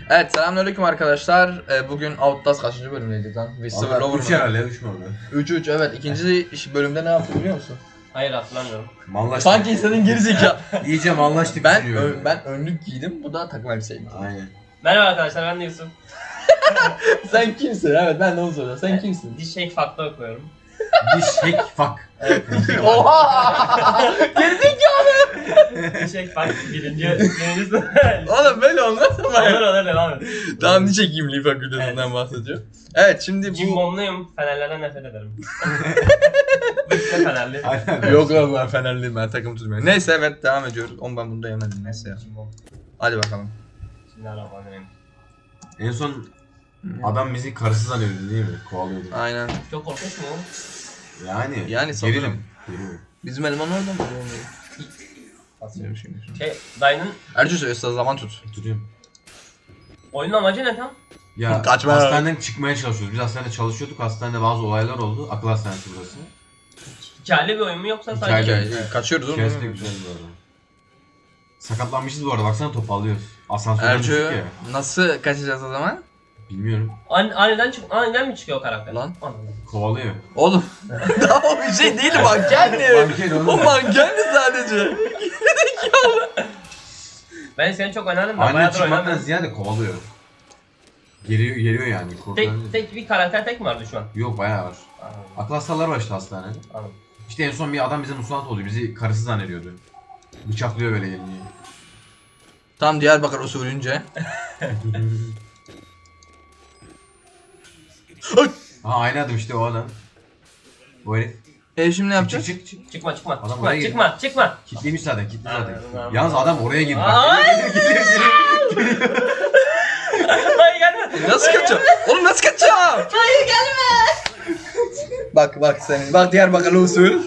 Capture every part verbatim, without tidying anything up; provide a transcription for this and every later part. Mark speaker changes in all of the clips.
Speaker 1: Evet, selamünaleyküm arkadaşlar. Ee, bugün Outlast kaçıncı bölümdeydik lan? Whisper Lover
Speaker 2: üç
Speaker 1: mı?
Speaker 2: herhalde, üç mü oldu?
Speaker 1: üç üç evet. İkinci iş- bölümde ne yaptık biliyor musun?
Speaker 3: Hayır hatırlamıyorum.
Speaker 2: Mallaştık.
Speaker 1: Sanki istediğin geri zeka.
Speaker 2: İyice mallaştık.
Speaker 1: ben
Speaker 2: düşünüyorum.
Speaker 1: ö- ben önlük giydim. Bu da takım elbiseydi.
Speaker 2: Aynen.
Speaker 3: Merhaba arkadaşlar, ben de Yusuf.
Speaker 1: Sen kimsin? Evet, ben de onu soruyorum. Sen kimsin?
Speaker 3: Diş Shake Fact'ta okuyorum.
Speaker 2: Diş hack fuck.
Speaker 1: Oha! Gerizekalı!
Speaker 3: Diş Shake Fact birinci birinci sınıf.
Speaker 1: Oğlum böyle olmaz ama.
Speaker 3: Olur olur devam et.
Speaker 1: Tamam, niçe giyimli fakültesinden
Speaker 3: Evet.
Speaker 1: bahsediyor. Evet, şimdi bu...
Speaker 3: Cimbomluyum, Fenerlerden nefret ederim. Bıktı Fenerli.
Speaker 2: Aynen.
Speaker 1: Yok lan, ben Fenerliyim, ben takım tutmuyorum. Neyse, evet, devam ediyoruz. Oğlum ben bunu da yemedim, neyse ya.
Speaker 3: Cimbom.
Speaker 1: Hadi bakalım.
Speaker 3: Bismillahirrahmanirrahim.
Speaker 2: En son adam bizi karısı zannediyordu değil mi? Kovalıyordu.
Speaker 1: Aynen.
Speaker 3: Çok korkunç mu?
Speaker 2: Yani.
Speaker 1: Yani sanırım.
Speaker 2: gerilim. Gerilim.
Speaker 1: Bizim eleman orada mı?
Speaker 3: Aslında.
Speaker 1: Şey,
Speaker 3: Şey, dayının
Speaker 1: Ercü söylüyorsa zaman tut.
Speaker 2: Tutuyorum.
Speaker 3: oyunun amacı ne tam?
Speaker 2: Ya
Speaker 1: Kaçma.
Speaker 2: hastaneden çıkmaya çalışıyoruz. Biz hastanede çalışıyorduk. Hastanede bazı olaylar oldu. Akıl hastanesi burası.
Speaker 3: Hikayeli bir oyun mu yoksa
Speaker 2: Hikayeli.
Speaker 3: sadece?
Speaker 1: Hikaye, kaçıyoruz oğlum.
Speaker 2: Hikayesi de güzel bu arada. Sakatlanmışız bu arada. Baksana toparlıyoruz. Asansörden düştük
Speaker 1: Ercü
Speaker 2: ya.
Speaker 1: nasıl kaçacağız o zaman?
Speaker 2: Bilmiyorum.
Speaker 3: An aniden çık aniden mi çıkıyor karakter?
Speaker 1: Lan.
Speaker 3: Aniden.
Speaker 2: Kovalıyor.
Speaker 1: Oğlum. Daha o bir şey değil, mankendi.
Speaker 2: Manken
Speaker 1: O
Speaker 2: oğlum.
Speaker 1: mankendi sadece.
Speaker 3: Ben seni çok oynadım da
Speaker 2: Aynen
Speaker 3: bayağıdır
Speaker 2: çıkmaktan
Speaker 3: oynamıyorum.
Speaker 2: ziyade kovalıyor. Geliyor, geliyor yani. Korkudan
Speaker 3: Tek, tek bir karakter tek mi vardı şu an?
Speaker 2: Yok bayağı var.
Speaker 3: Anladım.
Speaker 2: Akıl hastaları var işte hastanede.
Speaker 3: Anladım.
Speaker 2: İşte en son bir adam bize musallat oluyor. Bizi karısı zannediyordu. Bıçaklıyor böyle gelince.
Speaker 1: Tam Diyarbakır usulünce.
Speaker 2: Ha aynı adam işte o adam. O herif.
Speaker 1: E şimdi ne
Speaker 2: Çık
Speaker 1: yapacağız?
Speaker 2: çık çık çık.
Speaker 3: Çıkma çıkma
Speaker 2: Adam
Speaker 3: çıkma
Speaker 2: oraya
Speaker 3: çıkma çıkma.
Speaker 2: Kitlemiş zaten kitli zaten.
Speaker 3: Anladım, anladım.
Speaker 2: Yalnız adam oraya girdi. Bak,
Speaker 3: Ay!
Speaker 2: geliyor, geliyor, geliyor.
Speaker 3: Hayır gelme.
Speaker 1: Nasıl kaçacağım? Oğlum nasıl kaçacağım?
Speaker 3: Hayır gelme.
Speaker 1: Bak bak senin. Bak Diyarbakır usul.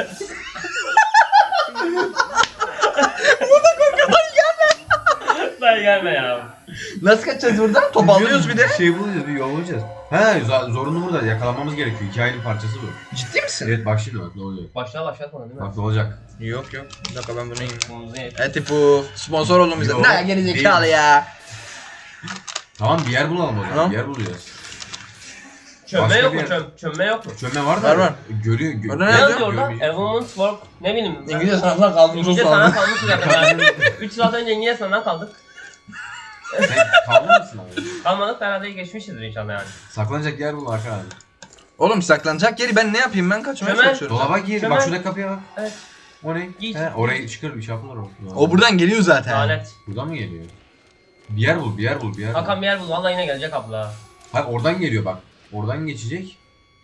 Speaker 3: Hayır gelme ya.
Speaker 1: Nasıl kaçacağız buradan? Topallıyoruz bir de.
Speaker 2: Şey bulacağız bir yol bulacağız. He za- zorunlu burada yakalanmamız gerekiyor. Hikayenin parçası bu.
Speaker 1: Ciddi misin?
Speaker 2: Evet bak şimdi bak ne oluyor.
Speaker 3: Başla başlatmadın değil mi?
Speaker 2: Bak ne olacak.
Speaker 1: Yok yok. Bir dakika ben bunu yiyeyim.
Speaker 3: Kumuzu ye.
Speaker 1: Eti bu. Sponsor oldum bize.
Speaker 2: Yok,
Speaker 1: Ne gerizekalı
Speaker 2: değil.
Speaker 1: ya.
Speaker 2: Tamam bir yer bulalım o zaman.
Speaker 1: Tamam.
Speaker 2: Bir yer bulacağız.
Speaker 3: Çömme
Speaker 2: Başka
Speaker 3: yok
Speaker 2: bir
Speaker 3: mu?
Speaker 2: yer-
Speaker 3: Çöm, çömme yok mu?
Speaker 2: Çömme var da.
Speaker 1: Var, var.
Speaker 2: Görüyor. Gö
Speaker 1: Orada
Speaker 3: Ne
Speaker 1: ne
Speaker 3: yazıyor orada?
Speaker 2: görmeyecek.
Speaker 3: A woman's work. Ne bileyim. ben-
Speaker 1: İngilizce sınavdan kaldım.
Speaker 3: İngilizce sana kalmış zaten. üç saat önce İngilizce sınavdan kaldık.
Speaker 2: Sen kaldı mısın abi?
Speaker 3: Kalmadık da herhalde geçmişizdir inşallah yani.
Speaker 2: Saklanacak yer bul Hakan abi.
Speaker 1: Oğlum saklanacak yeri ben ne yapayım, ben kaçmaya
Speaker 3: Hemen.
Speaker 1: çalışıyorum.
Speaker 2: Dolaba gir.
Speaker 3: Şöyle-
Speaker 2: Bak şurada kapıya bak.
Speaker 3: Evet.
Speaker 2: O ne?
Speaker 3: Giy.
Speaker 2: He, orayı çıkar bir şey yapılır o.
Speaker 1: O buradan geliyor zaten.
Speaker 3: Lanet.
Speaker 2: Buradan mı geliyor? Bir yer bul, bir yer bul, bir yer bul.
Speaker 3: Hakan bir yer bul. Vallahi yine gelecek abla.
Speaker 2: Hayır oradan geliyor bak. Oradan geçecek.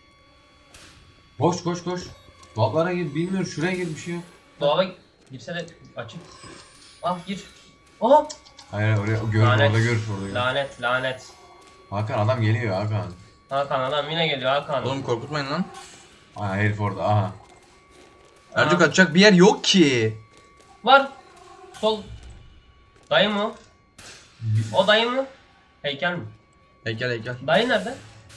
Speaker 2: Koş koş koş. Dolaplara gir, bilmiyorum şuraya gir bir şey yok.
Speaker 3: Dolaba girse de açık. Ah gir. Aha.
Speaker 2: Hayır oraya gör,
Speaker 3: Lanet.
Speaker 2: orada gör, orada gör.
Speaker 3: Lanet lanet.
Speaker 2: Hakan adam geliyor Hakan.
Speaker 3: Hakan adam yine geliyor Hakan.
Speaker 1: Oğlum korkutmayın lan.
Speaker 2: Aa herif orada aha.
Speaker 1: Ercü
Speaker 3: Aa.
Speaker 1: kaçacak bir yer yok ki.
Speaker 3: Var. Sol. Dayı mı o? O dayı mı? Heykel mi?
Speaker 1: Heykel heykel.
Speaker 3: Dayı nerede?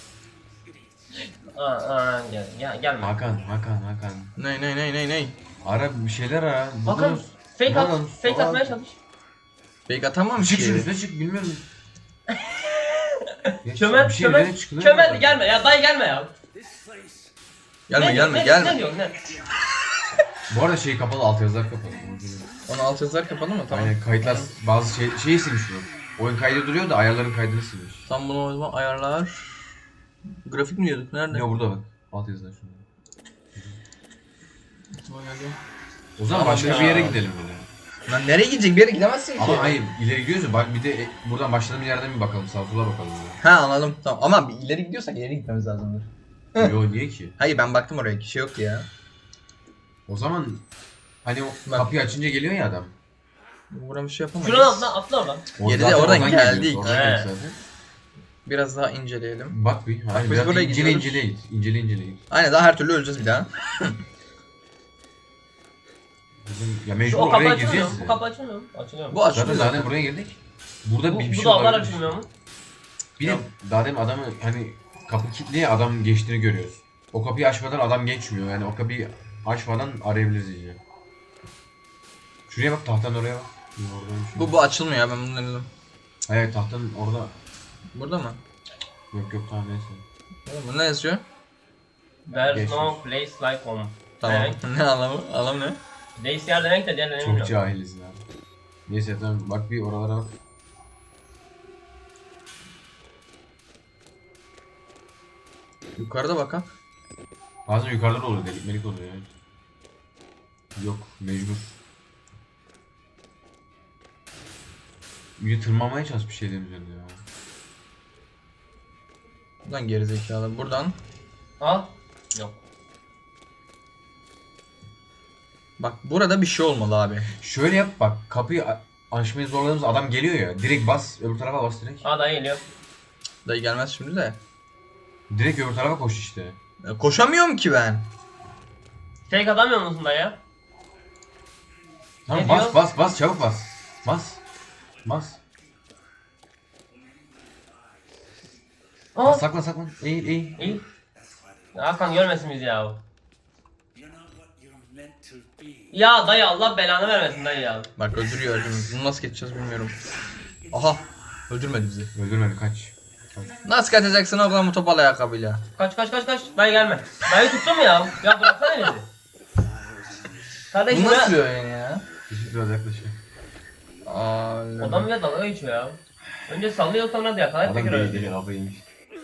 Speaker 3: Aa, aa gel, gel gelme.
Speaker 2: Hakan, Hakan, Hakan.
Speaker 1: Ney ney ney ney ney.
Speaker 2: Ara bir şeyler ara.
Speaker 3: Hakan
Speaker 2: buluruz.
Speaker 3: fake at,
Speaker 2: Bulalım.
Speaker 3: fake
Speaker 2: Bulalım.
Speaker 3: atmaya çalış.
Speaker 1: Fake atamamış
Speaker 2: Çık şunun
Speaker 1: ki.
Speaker 2: üstüne çık bilmiyorum. Ya
Speaker 3: Çömel,
Speaker 2: bir şey
Speaker 3: çömel,
Speaker 2: böyle çıkılıyor
Speaker 3: çömel
Speaker 2: mu?
Speaker 3: gelme ya dayı gelme ya.
Speaker 1: Gelme
Speaker 3: Ne-
Speaker 1: gelme
Speaker 3: ne-
Speaker 1: gelme.
Speaker 3: Ne diyorsun ne?
Speaker 2: Bu arada şey kapalı, altyazılar kapalı.
Speaker 1: Onu alt yazılar kapalı mı? Tamam.
Speaker 2: Aynen kayıtlar bazı şey şeyi silmiş bu. Oyun kaydı duruyor da ayarların kaydını silmiş.
Speaker 1: Tam bunu o zaman ayarlar. Grafik mi diyorduk? Nerede?
Speaker 2: Ne burada bak. Altyazılar şurada.
Speaker 1: Aklıma geldi.
Speaker 2: O zaman
Speaker 1: Tamam
Speaker 2: başka
Speaker 1: ya.
Speaker 2: bir yere gidelim böyle.
Speaker 1: Lan nereye gidecek? Bir yere gidemezsin ki.
Speaker 2: Ama hayır ileri gidiyoruz ya bak bir de e, buradan başladığımız yerden bir bakalım sağa sola bakalım. ya.
Speaker 1: Ha anladım. Tamam ama bir ileri gidiyorsak ileri gitmemiz lazımdır.
Speaker 2: Yo niye ki?
Speaker 1: Hayır ben baktım oraya, kişi yok ya.
Speaker 2: O zaman hani o
Speaker 1: Bak.
Speaker 2: kapıyı açınca geliyor ya adam.
Speaker 1: Buradan bir şey yapamayız.
Speaker 3: Şuradan atla atla oradan.
Speaker 2: O
Speaker 1: Yedi de
Speaker 2: zaten
Speaker 1: oradan
Speaker 2: geliyoruz,
Speaker 1: geldik.
Speaker 2: oradan
Speaker 3: He.
Speaker 2: geldik zaten.
Speaker 1: Biraz daha inceleyelim.
Speaker 2: Bak bir. Hayır,
Speaker 1: biz
Speaker 2: biraz
Speaker 1: buraya
Speaker 2: incele
Speaker 1: gidiyoruz.
Speaker 2: incele git. İncele incele git.
Speaker 1: Aynen daha her türlü öleceğiz bir daha.
Speaker 2: Bizim, ya
Speaker 3: Şu
Speaker 2: mecbur
Speaker 3: o kapı
Speaker 2: oraya
Speaker 3: açılmıyor
Speaker 2: gireceğiz.
Speaker 3: mu? Bu
Speaker 2: ya.
Speaker 3: kapı açılmıyor mu? Açılıyor mu?
Speaker 1: Bu
Speaker 2: Zaten
Speaker 1: açılıyor
Speaker 2: zaten
Speaker 1: zaten.
Speaker 2: buraya girdik. Burada
Speaker 3: Bu,
Speaker 2: bir, bir
Speaker 3: bu
Speaker 2: şey
Speaker 3: dolaplar
Speaker 2: olabilir.
Speaker 3: açılmıyor mu?
Speaker 2: Bir de daha demin adamı hani kapı kilitli ya adam geçtiğini görüyoruz. O kapıyı açmadan adam geçmiyor. Yani o kapıyı açmadan arayabiliriz iyice. Şuraya bak tahtanın oraya bak. Orada bir şey
Speaker 1: Bu bu açılmıyor ya, ben bunu denedim.
Speaker 2: Evet tahtanın orada.
Speaker 1: Burada mı?
Speaker 2: Yok yok tamam neyse.
Speaker 1: Oğlum ne yazıyor?
Speaker 3: There's
Speaker 2: Geçmiş.
Speaker 3: no place like home.
Speaker 1: Tamam.
Speaker 3: Evet.
Speaker 1: Ne anlamı? Anlam ne?
Speaker 3: Place yer demek de diğerlerini
Speaker 2: Çok
Speaker 3: bilmiyorum.
Speaker 2: cahiliz ya. Neyse tamam bak bir oralara bak.
Speaker 1: Yukarıda bak ha.
Speaker 2: Bazen yukarıda da oluyor delik melik oluyor yani. Yok mecbur. Bir tırmanmaya çalış bir şeylerin üzerinde ya.
Speaker 1: Buradan gerizekalı. Buradan.
Speaker 3: Al. Yok.
Speaker 1: Bak burada bir şey olmalı abi.
Speaker 2: Şöyle yap bak kapıyı a- açmayı zorladığımız adam geliyor ya. Direkt bas öbür tarafa bas direkt.
Speaker 3: Aa dayı geliyor.
Speaker 1: Dayı gelmez şimdi de.
Speaker 2: Direkt öbür tarafa koş işte.
Speaker 1: E, koşamıyorum ki ben.
Speaker 3: Fake atamıyor musun dayı?
Speaker 2: Tamam
Speaker 3: Ne
Speaker 2: bas
Speaker 3: diyor?
Speaker 2: bas bas çabuk bas. Bas. Bas.
Speaker 3: Aa.
Speaker 2: Bas saklan saklan. Eğil eğil.
Speaker 3: İyi. Hakan görmesin bizi ya. Ya dayı Allah belanı vermesin dayı ya.
Speaker 1: Bak öldürüyor öldürüyor. Bunu nasıl geçeceğiz bilmiyorum. Aha. Öldürmedi bizi.
Speaker 2: Öldürmedi kaç. Kaç.
Speaker 1: Nasıl kaçacaksın oğlum bu topal ayakkabıyla?
Speaker 3: Kaç kaç kaç kaç. Dayı gelme. Dayı tuttum ya. Ya bıraksana bizi. Kardeşim
Speaker 1: Bu nasıl
Speaker 3: ya.
Speaker 1: bir oyun ya?
Speaker 2: Işık biraz yaklaşıyor.
Speaker 1: Aa,
Speaker 3: Adam bile dalga geçiyor ya. Önce sallıyor sonra da yakalayıp
Speaker 2: Adam
Speaker 3: tekrar
Speaker 2: değil değil
Speaker 3: öldürüyor.
Speaker 2: kafayıymış.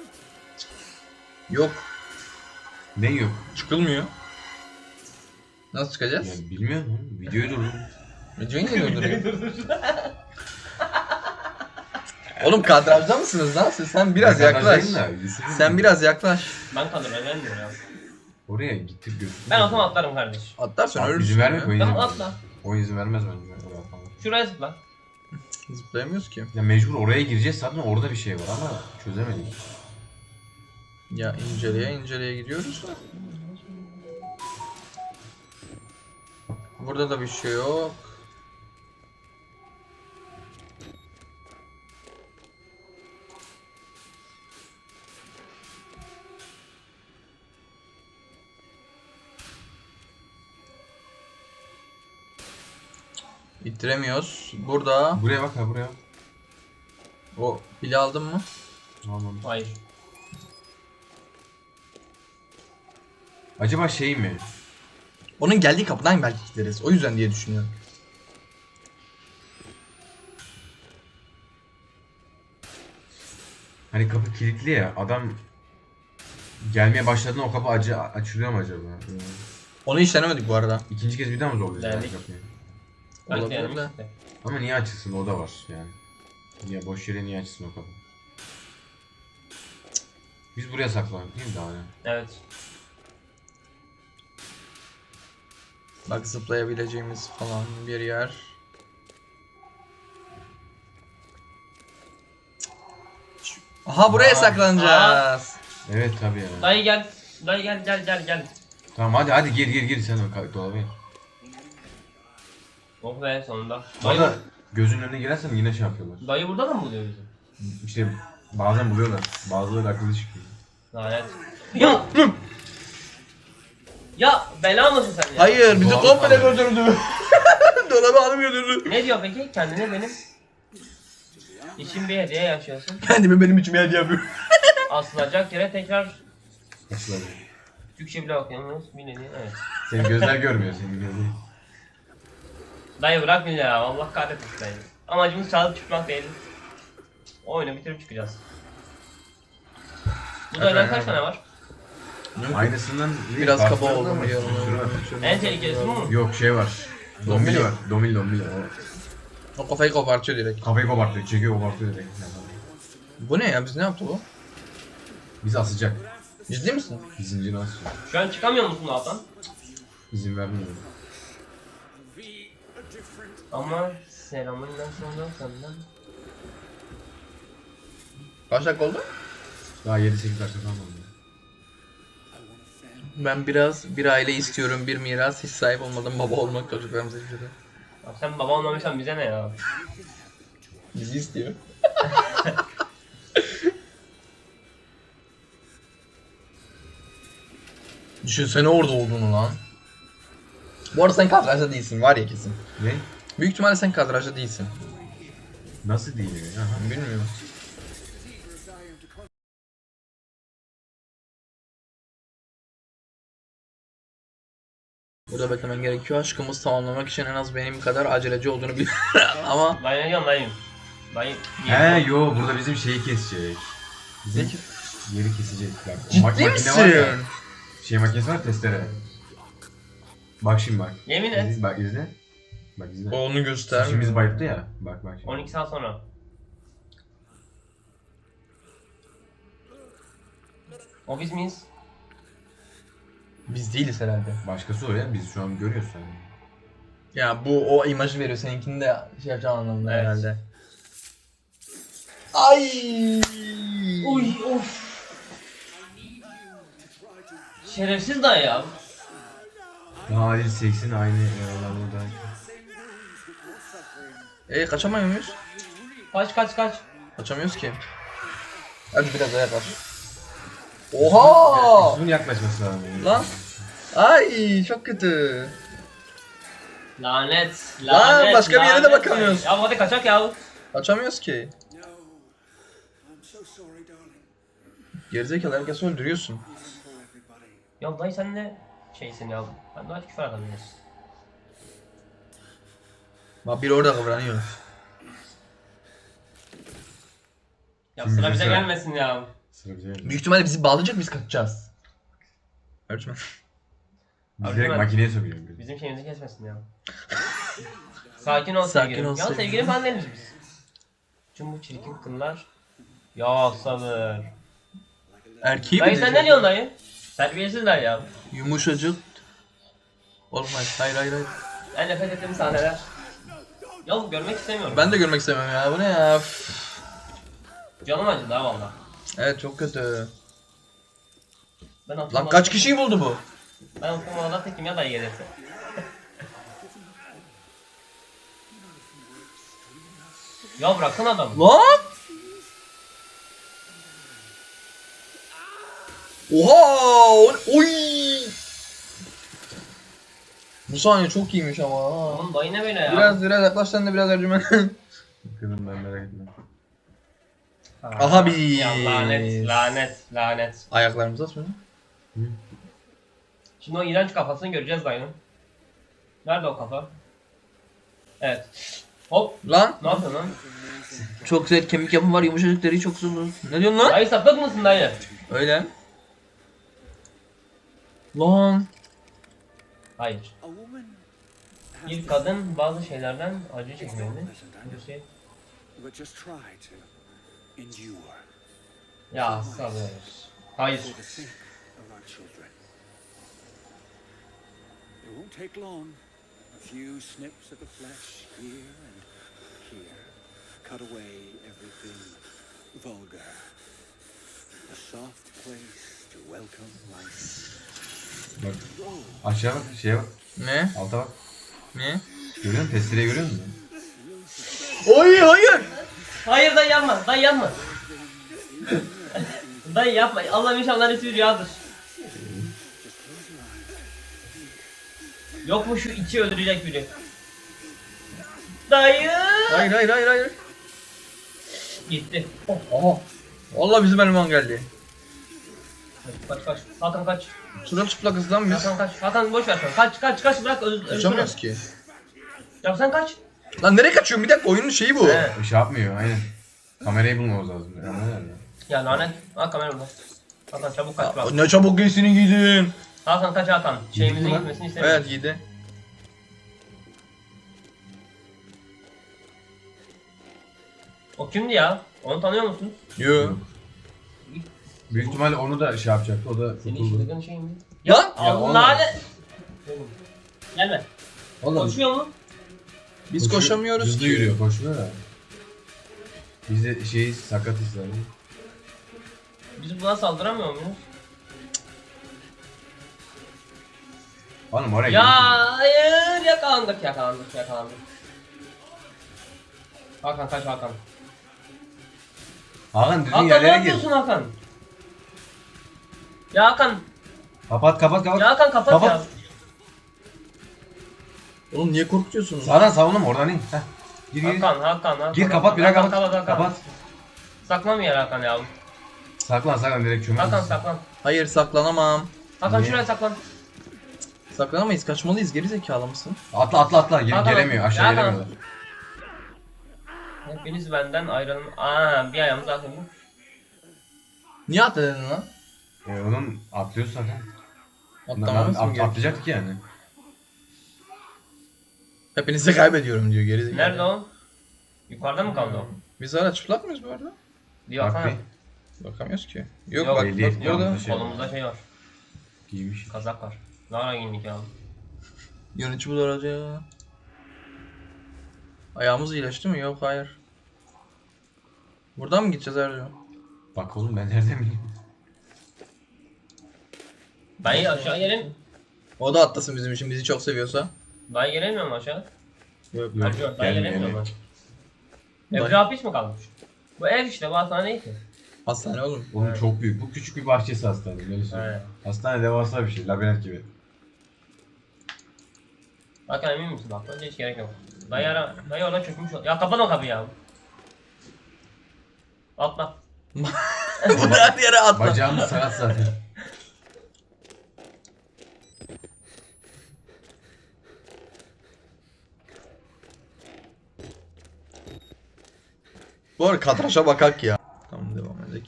Speaker 1: Yok.
Speaker 2: Ne yok?
Speaker 1: Çıkılmıyor. Nasıl çıkacağız?
Speaker 2: Yani bilmiyorum oğlum. Videoyu durdum.
Speaker 1: Videoyu niye durduruyor? Oğlum kadrajda mısınız lan siz? Sen biraz
Speaker 2: Ben
Speaker 1: yaklaş.
Speaker 2: kadrajdayım da, Yusuf'un-
Speaker 1: Sen biraz yaklaş.
Speaker 3: Ben kalırım gelmiyor ya.
Speaker 2: Oraya gittik götürdük.
Speaker 3: Ben olsam atlarım kardeş.
Speaker 1: Atlarsan
Speaker 2: Abi
Speaker 1: ölürsün
Speaker 2: izin vermek
Speaker 1: ya.
Speaker 2: oyun
Speaker 3: Tamam
Speaker 2: izin
Speaker 3: atla.
Speaker 2: Oyun izin vermez bence. Oraya atalım.
Speaker 3: Şuraya zıpla.
Speaker 1: Zıplayamıyoruz ki.
Speaker 2: Ya mecbur oraya gireceğiz zaten orada bir şey var ama çözemedik.
Speaker 1: Ya inceleye inceleye gidiyoruz. Burada da bir şey yok. İttiremiyoruz. Burada
Speaker 2: Buraya bak ha buraya.
Speaker 1: o pili aldın mı?
Speaker 2: Tamam.
Speaker 3: Hayır.
Speaker 2: Acaba şey mi?
Speaker 1: Onun geldiği kapıdan belki gideriz. O yüzden diye düşünüyorum.
Speaker 2: Hani kapı kilitli ya adam gelmeye başladığında o kapı acı açılıyor mu acaba?
Speaker 1: Onu hiç denemedik bu arada.
Speaker 2: İkinci kez bir daha mı zorlayacağız yani
Speaker 3: Denedik.
Speaker 2: kapıyı?
Speaker 3: Belki
Speaker 1: Olabilir
Speaker 3: yani
Speaker 1: de.
Speaker 3: işte.
Speaker 2: Ama niye açılsın o da var yani. Niye boş yere niye açılsın o kapı? Biz buraya saklandık değil mi daha ne?
Speaker 3: Evet.
Speaker 1: Bak zıplayabileceğimiz falan bir yer. Aha buraya
Speaker 2: Aa.
Speaker 1: saklanacağız.
Speaker 2: Evet tabii ya.
Speaker 3: Dayı gel. Dayı gel gel gel gel.
Speaker 2: Tamam hadi hadi gir gir gir sen o ka- dolaba gir.
Speaker 3: Oh be sonunda.
Speaker 2: Bu
Speaker 3: Dayı,
Speaker 2: arada gözünün önüne girersen yine şey yapıyorlar.
Speaker 3: dayı burada da mı buluyor bizi?
Speaker 2: İşte bazen buluyorlar. Bazıları akıllı çıkıyor.
Speaker 3: Lanet. Ya! Ya bela mısın sen ya?
Speaker 1: Hayır bizi
Speaker 2: Dolabı
Speaker 1: komple
Speaker 2: kaldı.
Speaker 1: götürdü. Dolabı alıp götürdü.
Speaker 3: Ne diyor peki? Kendine benim için bir hediye yaşıyorsun.
Speaker 1: Kendimi benim içime hediye yapıyor.
Speaker 3: Asılacak yere tekrar
Speaker 2: Açılar.
Speaker 3: Türkçe bile okuyamıyoruz. Bir hediye evet.
Speaker 2: Senin gözler görmüyor senin gözler.
Speaker 3: Dayı bırak beni ya. Allah kahretmesin dayı. Amacımız çalıp çıkmak değil. O oyunu bitirip çıkacağız. Bu dayıdan kaç tane var?
Speaker 2: Aynısından
Speaker 1: Biraz
Speaker 2: farklı
Speaker 1: kaba
Speaker 2: ama
Speaker 1: oldum
Speaker 2: bir
Speaker 1: diyorum.
Speaker 2: sürü var.
Speaker 3: En tehlikelisi bu mu?
Speaker 2: Yok şey var.
Speaker 1: Dombili.
Speaker 2: Dombili var. Dombili dombili. O
Speaker 1: O kafayı kopartıyor direkt.
Speaker 2: kafayı kopartıyor, çekiyor kopartıyor direkt.
Speaker 1: Bu ne ya biz ne yaptı bu?
Speaker 2: Bizi asacak.
Speaker 1: Ciddi misin?
Speaker 2: Zincini asacak.
Speaker 3: Şu an çıkamıyor musun alttan?
Speaker 2: İzin vermiyor.
Speaker 3: Ama selamından sonra senden.
Speaker 1: Kaç dakika oldu?
Speaker 2: Daha yedi sekiz dakika falan oldu.
Speaker 1: Ben biraz bir aile istiyorum, bir miras, hiç sahip olmadan baba olmak çocuklarımıza istiyorum.
Speaker 3: Ya sen baba olmamışsan bize ne ya?
Speaker 1: Bizi istiyor. Düşünsene orada olduğunu lan. Bu arada sen kadrajda değilsin var ya kesin.
Speaker 2: Ne?
Speaker 1: Büyük ihtimalle sen kadrajda değilsin.
Speaker 2: Nasıl değil ya? Aha.
Speaker 1: Bilmiyorum. Burada beklemen gerekiyor. Aşkımız tamamlamak için en az benim kadar aceleci olduğunu bil. Ama
Speaker 3: Dayı ne diyorsun dayım? Dayı.
Speaker 2: He yo burada bizim şeyi kesecek. Bizim yeri kesecek. Bak, o
Speaker 1: ciddi
Speaker 2: mak- makine
Speaker 1: misin?
Speaker 2: var ya, şey makinesi var testere. Bak şimdi bak.
Speaker 3: Yemin et.
Speaker 2: İzle, bak izle. Bak izle.
Speaker 1: onu
Speaker 2: İçimiz
Speaker 1: göstermiyor.
Speaker 2: bayıldı ya. Bak bak şimdi.
Speaker 3: on iki saat sonra. O biz miyiz?
Speaker 1: Biz değiliz herhalde.
Speaker 2: Başkası o ya. Biz şu an görüyoruz yani.
Speaker 1: Ya bu o imajı veriyor. Seninkini de şey yapacağım anlamında
Speaker 3: Evet.
Speaker 1: herhalde. Ay.
Speaker 3: Uy of. Şerefsiz dayı ya.
Speaker 2: Halil seksin aynı aralarda.
Speaker 1: E kaçamıyor muyuz?
Speaker 3: Kaç kaç kaç.
Speaker 1: Kaçamıyoruz ki. Hadi biraz daha yaklaş. Oha!
Speaker 2: Bunun yaklaşması lazım.
Speaker 1: Lan. Ay çok kötü.
Speaker 3: Lanet.
Speaker 1: Lan,
Speaker 3: Lanet.
Speaker 1: başka bir yere de
Speaker 3: lanet
Speaker 1: bakamıyoruz.
Speaker 3: dayı. Ya hadi kaçak ya.
Speaker 1: Kaçamıyoruz ki. Gerizekalı herkesi öldürüyorsun.
Speaker 3: Ya dayı sen ne şeysin ya. Ben daha küfür adamıyız.
Speaker 1: Bak biri orada kıvranıyor.
Speaker 3: Ya
Speaker 2: Şimdi
Speaker 3: sıra bize
Speaker 2: sıra.
Speaker 3: gelmesin ya.
Speaker 2: Sıra bize geldi.
Speaker 1: Büyük ihtimalle bizi bağlayacak biz kaçacağız. Ölçme.
Speaker 2: Biz direkt
Speaker 3: Abi,
Speaker 2: makineye sokuyoruz.
Speaker 3: Bizim şeyimizi kesmesin ya. Sakin ol
Speaker 1: Sakin
Speaker 3: sevgilim.
Speaker 1: ol
Speaker 3: ya
Speaker 1: sevgilim.
Speaker 3: sevgilim falan değiliz biz. Tüm bu çirkin kınlar. Ya sabır.
Speaker 1: Erkeği mi
Speaker 3: Dayı sen ne
Speaker 1: diyecek?
Speaker 3: diyorsun dayı? Terbiyesiz dayı ya.
Speaker 1: Yumuşacık. Olmaz. Hayır hayır hayır.
Speaker 3: En nefret ettiğim sahneler. Ya görmek istemiyorum.
Speaker 1: Ben de görmek istemem ya. Bu ne ya? Üf.
Speaker 3: Canım acıdı ha valla.
Speaker 1: Evet çok kötü.
Speaker 3: Ben
Speaker 1: Lan
Speaker 3: oturmadan-
Speaker 1: kaç kişiyi buldu bu?
Speaker 3: Ben oturmadan tekim ya dayı gelirse. Ya bırakın adamı.
Speaker 1: Lan! Oha! O- Oy! Bu sahne çok iyiymiş ama. ha.
Speaker 3: Oğlum dayı ne böyle ya?
Speaker 1: Biraz biraz yaklaş sen de biraz Ercümen.
Speaker 2: Bakın ben merak etme.
Speaker 1: Aha bir-
Speaker 3: Ya lanet, lanet, lanet.
Speaker 1: Ayaklarımıza sonra.
Speaker 3: Şimdi o iğrenç kafasını göreceğiz dayının. Nerede o kafa? Evet. Hop.
Speaker 1: Lan!
Speaker 3: Ne yapıyorsun lan?
Speaker 1: Çok güzel kemik yapım var, yumuşacık deri çok zor. Ne diyorsun lan?
Speaker 3: Dayı sapık mısın dayı?
Speaker 1: Öyle. Lan!
Speaker 3: Hayır. Bir kadın bazı şeylerden acı çekmeli. Bir şey.
Speaker 4: But just try to endure
Speaker 3: Ya sabır. Hayır.
Speaker 4: for the sake of our children. It won't take long. A few snips of the flesh here and here. Cut away everything vulgar. A soft place to welcome life.
Speaker 2: Bak. Aşağı bak, şeye bak,
Speaker 1: Ne?
Speaker 2: alta bak.
Speaker 1: Ne?
Speaker 2: Görüyor musun? Testereyi görüyor musun?
Speaker 1: Oy hayır!
Speaker 3: Hayır dayı yapma. Dayı yapma. Dayı yapma. Allah'ım inşallah resmi rüyadır. Yok mu şu içi öldürecek biri? Dayı.
Speaker 1: Hayır hayır hayır hayır.
Speaker 3: Gitti.
Speaker 1: Aha. Vallahi bizim eleman geldi.
Speaker 3: Kaç kaç. Hakan kaç.
Speaker 1: Sırılçıplak kız lan biz.
Speaker 3: Hakan kaç. Hakan boş ver sen. Kaç kaç kaç bırak öz, ölsün.
Speaker 1: Kaçamıyoruz ki.
Speaker 3: Ya sen kaç.
Speaker 1: Lan nereye kaçıyorsun? Bir dakika oyunun şeyi bu.
Speaker 3: He.
Speaker 2: Şey yapmıyor, aynen. Kamerayı bulmamız lazım. Kamera nerede?
Speaker 3: Ya lanet. Ha kamera burada. Hakan çabuk kaç bak.
Speaker 1: Ya, ne çabuk giysini giydin.
Speaker 3: Hakan kaç Hakan. Şeyimizin
Speaker 2: mi lan?
Speaker 3: gitmesini istemiyorum.
Speaker 1: Evet giydi.
Speaker 3: O kimdi ya? Onu tanıyor musun?
Speaker 1: Yo.
Speaker 2: Büyük ihtimalle onu da şey yapacaktı, o da
Speaker 3: Senin
Speaker 2: kurtuldu.
Speaker 3: çılgın şey mi?
Speaker 1: Lan!
Speaker 3: Allah lanet. Gelme.
Speaker 2: Oğlum,
Speaker 3: Koşuyor mu?
Speaker 1: Biz
Speaker 2: koşuyor-
Speaker 1: koşamıyoruz
Speaker 2: hızlı
Speaker 1: ki.
Speaker 2: yürüyor, koşuyor da. Biz de şey sakatız yani.
Speaker 3: Biz buna saldıramıyor muyuz?
Speaker 2: Oğlum oraya
Speaker 3: Ya
Speaker 2: gidiyorsun.
Speaker 3: hayır yakalandık yakalandık yakalandık. Hakan kaç Hakan.
Speaker 2: Hakan düzgün
Speaker 3: Hakan ne
Speaker 2: yerlere gir.
Speaker 3: yapıyorsun Hakan? Ya Hakan.
Speaker 2: Kapat kapat kapat.
Speaker 3: Ya Hakan kapat,
Speaker 2: Kapat.
Speaker 3: ya.
Speaker 1: Oğlum niye korkutuyorsunuz?
Speaker 2: Sağdan savunma oradan in. Heh. Gir gir.
Speaker 3: Hakan, Hakan, Hakan.
Speaker 2: Gir kapat bir daha
Speaker 3: Hakan,
Speaker 2: kapat.
Speaker 3: Hakan.
Speaker 2: Kapat.
Speaker 3: Saklan bir yere Hakan ya.
Speaker 2: Saklan saklan direkt çömel.
Speaker 3: Hakan saklan.
Speaker 1: Hayır saklanamam.
Speaker 3: Hakan
Speaker 2: Niye?
Speaker 3: şuraya saklan.
Speaker 1: Saklanamayız, kaçmalıyız, geri zekalı mısın?
Speaker 2: Atla atla atla. Gel,
Speaker 3: Hakan,
Speaker 2: gelemiyor aşağı
Speaker 3: Hakan.
Speaker 2: gelemiyorlar.
Speaker 3: Hepiniz benden ayrılın. Aa, bir ayağımız atıldı.
Speaker 1: Niye atladın lan?
Speaker 2: E, onun atlıyoruz zaten.
Speaker 1: Atlamamız mı
Speaker 2: At,
Speaker 1: gerekiyor?
Speaker 2: atlayacaktık yani.
Speaker 1: Hepinizi kaybediyorum diyor geri zekalı.
Speaker 3: Nerede o? Yukarıda mı kaldı o?
Speaker 1: Biz hala çıplak mıyız bu arada?
Speaker 3: Bir
Speaker 2: Bak
Speaker 3: baksana.
Speaker 2: bir.
Speaker 1: Bakamıyoruz ki. Yok,
Speaker 3: Yok,
Speaker 1: bak,
Speaker 2: belli
Speaker 1: bak
Speaker 2: etmiyor
Speaker 1: burada
Speaker 2: musun? Şey
Speaker 3: Kolumuzda şey var.
Speaker 2: Giymiş.
Speaker 3: Kazak var. Ne ara giyindik ya?
Speaker 1: yönetici bu arada. Ayağımız iyileşti mi? Yok, hayır. Buradan mı gideceğiz Ercan?
Speaker 2: Bak oğlum ben nereden bileyim.
Speaker 3: Dayı aşağı gelin.
Speaker 1: O da atlasın bizim için, bizi çok seviyorsa.
Speaker 3: Dayı gelemiyor mu aşağı?
Speaker 1: Yok.
Speaker 2: Yok,
Speaker 3: Acıyor, dayı
Speaker 2: gelmiyor,
Speaker 3: gelemiyor mu?
Speaker 1: Dayı-
Speaker 3: Evde hapis mi kalmış? Bu ev işte, bu hastane değil ki.
Speaker 1: Hastane oğlum.
Speaker 2: Oğlum
Speaker 3: Evet.
Speaker 2: çok büyük. Bu küçük bir bahçesi hastane. Böyle söyleyeyim.
Speaker 3: Evet.
Speaker 2: Hastane devasa bir şey. Labirent gibi.
Speaker 3: Hakan emin misin bak? Önce hiç gerek yok. Dayı ara, dayı orada çökmüş ol. Ya kapat o kapıyı ya. Atla.
Speaker 1: Her yere atla.
Speaker 2: Bacağımız sakat zaten.
Speaker 1: Bu arada kadraşa bakak ya. Tamam, devam edelim.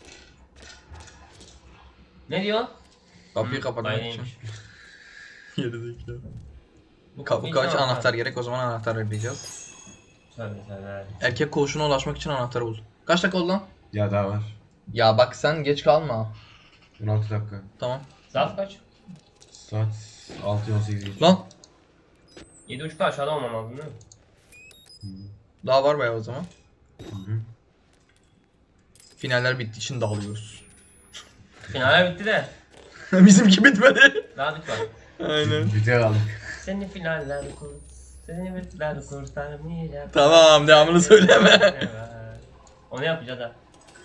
Speaker 3: Ne diyor?
Speaker 1: Kapıyı
Speaker 3: Hı,
Speaker 1: kapatmak için.
Speaker 3: dayıymış.
Speaker 1: Gerizekalı.
Speaker 3: Bu
Speaker 1: Kapı
Speaker 3: kapıyı
Speaker 1: kaç
Speaker 3: kim
Speaker 1: anahtar gerek, o zaman anahtar arayacağız.
Speaker 3: Tabii tabii.
Speaker 1: Erkek koğuşuna ulaşmak için anahtarı bul. Kaç dakika oldu lan?
Speaker 2: Ya daha var.
Speaker 1: Ya bak sen geç kalma.
Speaker 2: on altı dakika.
Speaker 1: Tamam.
Speaker 3: Saat kaç?
Speaker 2: Saat altı on sekiz geçiyor.
Speaker 1: Lan
Speaker 3: yedi buçukta aşağıda olmam lazım değil mi?
Speaker 1: daha var bayağı o zaman.
Speaker 2: Hı hı.
Speaker 1: Finaller bittiği için dağılıyoruz.
Speaker 3: Finale bitti de.
Speaker 1: Bizimki bitmedi.
Speaker 3: Daha bit var.
Speaker 1: Aynen.
Speaker 2: Güzel aldık.
Speaker 3: Seni finaller kur. Seni bitler kurtarmayacak.
Speaker 1: Tamam, devamını söyleme.
Speaker 3: Onu yapacağız ha.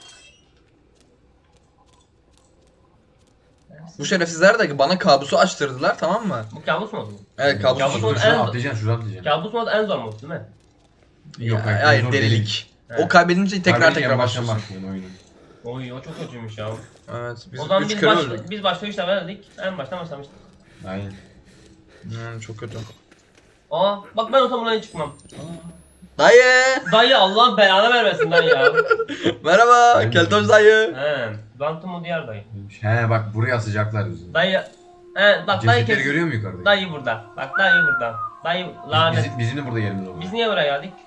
Speaker 1: Bu şerefsizler de bana kabusu açtırdılar, tamam mı?
Speaker 3: Bu kabus modu mu?
Speaker 1: Evet, kabus.
Speaker 3: Kabus
Speaker 2: Dur,
Speaker 3: modu
Speaker 2: şuradan
Speaker 3: en-
Speaker 2: atlayacaksın, şuradan atlayacaksın.
Speaker 3: Kabus modu en zor mod değil mi?
Speaker 2: Yok,
Speaker 1: Ya,
Speaker 2: hayır,
Speaker 1: hayır,
Speaker 2: zor
Speaker 1: delilik.
Speaker 3: Evet.
Speaker 1: O kaybedince tekrar
Speaker 2: Harbiden
Speaker 1: tekrar
Speaker 2: baştan
Speaker 1: başlıyorsun.
Speaker 2: başlıyorsun oyunu.
Speaker 3: Oy o çok kötüymüş ya.
Speaker 1: Evet, biz
Speaker 3: o zaman
Speaker 1: üç
Speaker 3: biz,
Speaker 1: kere
Speaker 3: baş,
Speaker 1: öldük.
Speaker 3: biz başka işler verdik. En baştan başlamıştık.
Speaker 2: Aynen.
Speaker 1: Hmm, çok kötü.
Speaker 3: Aa bak ben o buradan çıkmam.
Speaker 1: Dayı!
Speaker 3: Dayı Allah belanı vermesin dayı ya.
Speaker 1: Merhaba,
Speaker 2: Ben-
Speaker 1: Keltoş dayı.
Speaker 3: He. Bantumu diğer dayı.
Speaker 2: He bak buraya asacaklar bizi.
Speaker 3: Dayı. He bak dayı
Speaker 2: Cesetleri
Speaker 3: kes.
Speaker 2: görüyor musun yukarıda?
Speaker 3: Dayı burada. Bak dayı burada. Dayı lanet.
Speaker 2: Bizim, bizim de burada yerimiz oldu.
Speaker 3: Biz niye buraya geldik?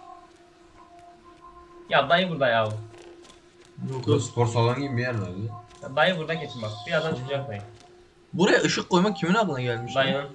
Speaker 3: Ya dayı burada ya.
Speaker 2: Burada spor salonu gibi bir yer var.
Speaker 3: Ya dayı burada kesin bak. Birazdan çıkacak dayı.
Speaker 1: Buraya ışık koymak kimin aklına gelmiş? lan?
Speaker 3: Dayının.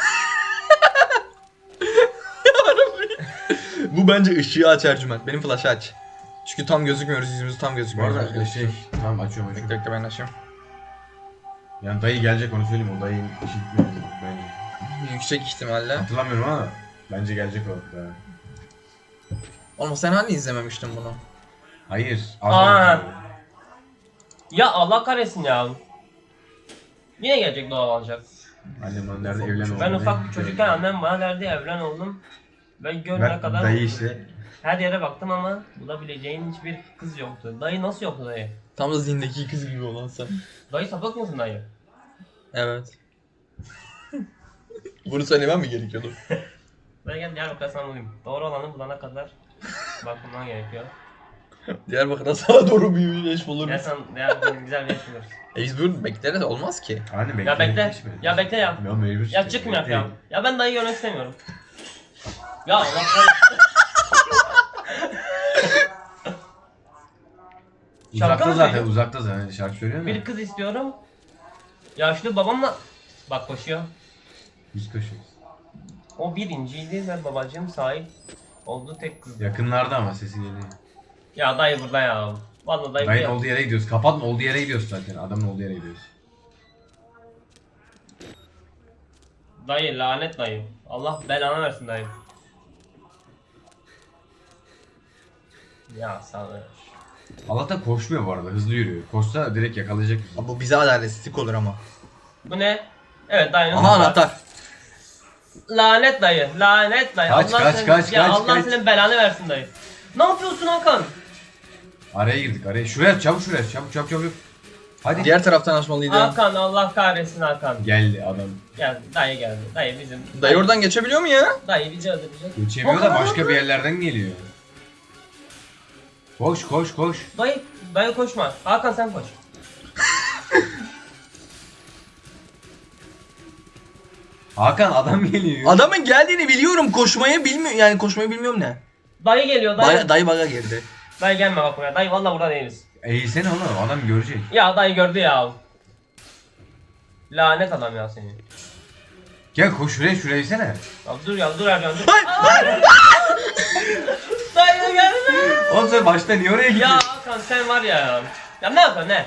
Speaker 1: Bu bence ışığı aç Ercüment. Benim flash'ı aç. Çünkü tam gözükmüyoruz, yüzümüz tam
Speaker 2: Bu
Speaker 1: gözükmüyor.
Speaker 2: arada şey, tamam açıyorum
Speaker 1: Bekle
Speaker 2: açıyorum.
Speaker 1: bekle ben açayım.
Speaker 2: Yani dayı gelecek onu söyleyeyim, o dayı işi gitmiyor bence.
Speaker 1: Yüksek ihtimalle.
Speaker 2: Hatırlamıyorum ama bence gelecek o. Da.
Speaker 1: Oğlum sen hani izlememiştin bunu?
Speaker 2: Hayır.
Speaker 3: Aa.
Speaker 2: Az
Speaker 3: Ya Allah kahretsin ya. Yine gelecek doğal olacak.
Speaker 2: Annem bana nerede evlen oldu.
Speaker 3: Ben ufak bir çocukken annem bana derdi evlen oğlum. Ben gönlüne
Speaker 2: Bak,
Speaker 3: kadar
Speaker 2: dayı işte.
Speaker 3: her yere baktım ama bulabileceğin hiçbir kız yoktu. Dayı nasıl yoktu dayı?
Speaker 1: Tam da zindeki kız gibi olan sen.
Speaker 3: Dayı sapık mısın dayı?
Speaker 1: Evet. Bunu söylemem mi gerekiyordu?
Speaker 3: Dayı gel Diyarbakır'a sana bulayım. Doğru olanı bulana kadar bakmam gerekiyor.
Speaker 1: Diyarbakır'da sana doğru bir eş bulur
Speaker 3: Gel
Speaker 1: musun?
Speaker 3: sen Diyarbakır'a güzel bir iş buluruz.
Speaker 1: E biz bunu bekleriz, olmaz ki.
Speaker 2: Anne bekle.
Speaker 3: Ya bekle.
Speaker 2: geçme.
Speaker 3: Ya bekle ya.
Speaker 2: Ya mecbur.
Speaker 3: Ya çıkmıyor
Speaker 2: Bekle.
Speaker 3: ya. Ya ben dayı görmek istemiyorum. Ya Allah kahretsin. Şarkı
Speaker 2: Uzakta
Speaker 3: mı
Speaker 2: zaten,
Speaker 3: söylüyor?
Speaker 2: uzakta zaten şarkı söylüyor mu?
Speaker 3: Bir kız istiyorum. Yaşlı babamla bak koşuyor.
Speaker 2: Biz koşuyoruz.
Speaker 3: O birinciydi ve babacığım sahip olduğu tek kız.
Speaker 2: Yakınlarda ama sesi geliyor.
Speaker 3: Ya dayı burada ya. Vallahi dayı
Speaker 2: Dayın
Speaker 3: burada.
Speaker 2: olduğu yere gidiyoruz. Kapatma, olduğu yere gidiyoruz zaten. Adamın olduğu yere gidiyoruz.
Speaker 3: Dayı lanet dayı. Allah belanı versin dayı. Ya sabır.
Speaker 2: Allah'tan koşmuyor bu arada, hızlı yürüyor. Koşsa direkt yakalayacak bizi.
Speaker 1: Abi bu bize adaletsizlik olur ama.
Speaker 3: Bu ne? Evet dayının
Speaker 1: Aha anahtar.
Speaker 3: Lanet dayı, lanet dayı.
Speaker 2: Kaç,
Speaker 3: Allah
Speaker 2: kaç,
Speaker 3: senin,
Speaker 2: kaç,
Speaker 3: ya
Speaker 2: kaç,
Speaker 3: Allah
Speaker 2: kaç.
Speaker 3: senin belanı versin dayı. Ne yapıyorsun Hakan?
Speaker 2: Araya girdik araya. Şuraya çabuk şuraya çabuk çabuk çabuk. Hadi.
Speaker 1: Diğer taraftan açmalıydı.
Speaker 3: Hakan Allah kahretsin Hakan.
Speaker 2: Geldi adam.
Speaker 3: Gel dayı geldi. Dayı bizim.
Speaker 1: Dayı oradan geçebiliyor mu ya?
Speaker 3: Dayı bizi öldürecek.
Speaker 2: Geçemiyor da
Speaker 3: Hakan,
Speaker 2: başka
Speaker 3: Hakan.
Speaker 2: bir yerlerden geliyor. Koş koş koş.
Speaker 3: Dayı, dayı koşma. Hakan sen koş.
Speaker 2: Hakan adam geliyor.
Speaker 1: Adamın geldiğini biliyorum, koşmayı bilmiyor yani koşmayı bilmiyorum ne.
Speaker 3: Dayı geliyor dayı.
Speaker 1: Dayı, dayı baga girdi.
Speaker 3: Dayı gelme bak buraya. Dayı valla burada değiliz.
Speaker 2: Eğilsene oğlum adam görecek.
Speaker 3: Ya dayı gördü ya. Lanet adam ya seni.
Speaker 2: Gel koş şuraya şuraya eğilsene.
Speaker 3: Ya dur ya dur Ercan dur.
Speaker 1: Hayır.
Speaker 3: Dayı gelme.
Speaker 2: Oğlum sen başta niye oraya
Speaker 3: Ya
Speaker 2: gidiyorsun?
Speaker 3: Hakan sen var ya. Ya ne yapıyorsun ne?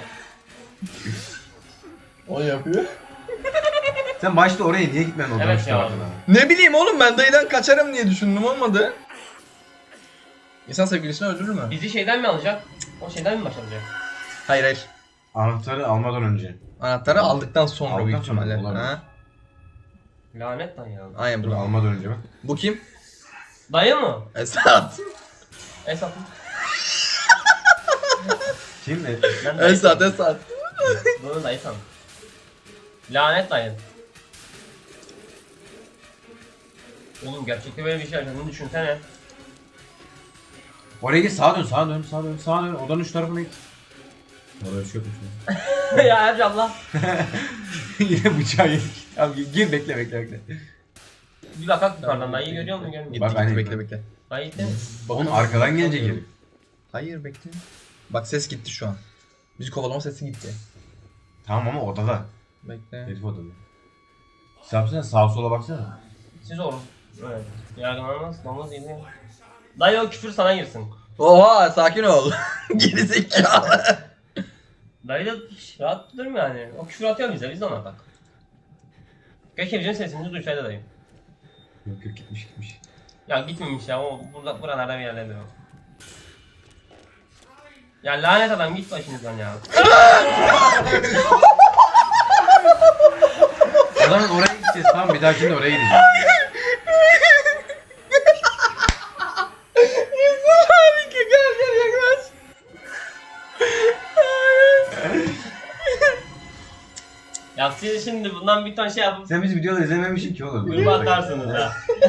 Speaker 1: O yapıyor.
Speaker 2: Sen başta oraya niye gitmedin odanın
Speaker 3: Evet
Speaker 2: şu
Speaker 3: ya.
Speaker 2: tarafına?
Speaker 1: Ne bileyim oğlum, ben dayıdan kaçarım diye düşündüm, olmadı. İnsan sevgilisini öldürür mü?
Speaker 3: Bizi şeyden mi alacak? O şeyden mi başlayacak?
Speaker 1: Hayır hayır.
Speaker 2: Anahtarı almadan önce.
Speaker 1: Anahtarı aldıktan sonra
Speaker 2: Aldıktan
Speaker 1: büyük
Speaker 2: sonra
Speaker 1: ihtimalle.
Speaker 2: olabilir.
Speaker 1: Ha?
Speaker 3: Lanet dayı ya.
Speaker 1: Aynen
Speaker 2: Dur
Speaker 1: bu.
Speaker 2: almadan önce bak.
Speaker 1: Bu kim?
Speaker 3: Dayı mı?
Speaker 1: Esat.
Speaker 3: Esat.
Speaker 2: Kim ne?
Speaker 3: Ben dayı
Speaker 1: Esat,
Speaker 3: sandım.
Speaker 1: Esat.
Speaker 3: Bunu dayı sandım. Lanet dayı. Oğlum gerçekte böyle bir şey yaşadığını düşünsene.
Speaker 2: Oraya git sağa dön sağa dön sağa dön sağa dön odanın şu tarafına git. Orada bir şey yokmuş.
Speaker 3: Ya Ercan Allah.
Speaker 2: Yine bıçağı yedik. Tamam gir, gir bekle bekle bekle.
Speaker 3: Bir bak bak yukarıdan dayıyı görüyor musun görmüyor
Speaker 1: Gitti
Speaker 3: musun?
Speaker 2: Bak,
Speaker 1: gitti,
Speaker 2: aynen.
Speaker 1: bekle bekle.
Speaker 3: Dayı gitti mi?
Speaker 2: Onun arkadan gelecek herif.
Speaker 1: Hayır bekle. Bak ses gitti şu an. Bizi kovalama sesi gitti.
Speaker 2: Tamam ama odada.
Speaker 1: Bekle.
Speaker 2: Herif odada. Sen yapsana sağa sola baksana.
Speaker 3: Siz olun. Evet. Yargılanmaz, namaz yedi. Dayı o küfür sana girsin.
Speaker 1: Oha, sakin ol. Gerizekalı.
Speaker 3: Dayı da hiç rahat durmuyor yani. O küfür atıyor bize, biz de ona bak. Keşke bizim sesimizi duysaydı dayı.
Speaker 2: Yok yok gitmiş gitmiş.
Speaker 3: Ya gitmemiş ya, o burada, buralarda bir yerlerde o. Ya lanet adam git başımızdan ya.
Speaker 2: O zaman oraya gideceğiz tamam bir dahakinde oraya gideceğiz.
Speaker 1: Harika, gel gel yaklaş.
Speaker 3: Ya siz şimdi bundan bir ton şey yapıp
Speaker 2: Sen biz videoda izlememişsin ki oğlum.
Speaker 3: gruba atarsınız ya.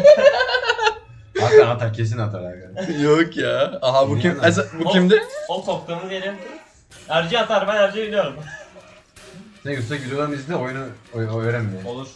Speaker 2: Atar atar kesin atar aga.
Speaker 1: Yok ya. Aha bu kim?
Speaker 2: Bilmiyorum.
Speaker 1: Esat, bu kimdi?
Speaker 3: O koptuğumuz yeri. Erci atar, ben Erci'yi biliyorum.
Speaker 2: Sen Yusuf'a videodan izle oyunu oy, oy öğrenme.
Speaker 3: Olur.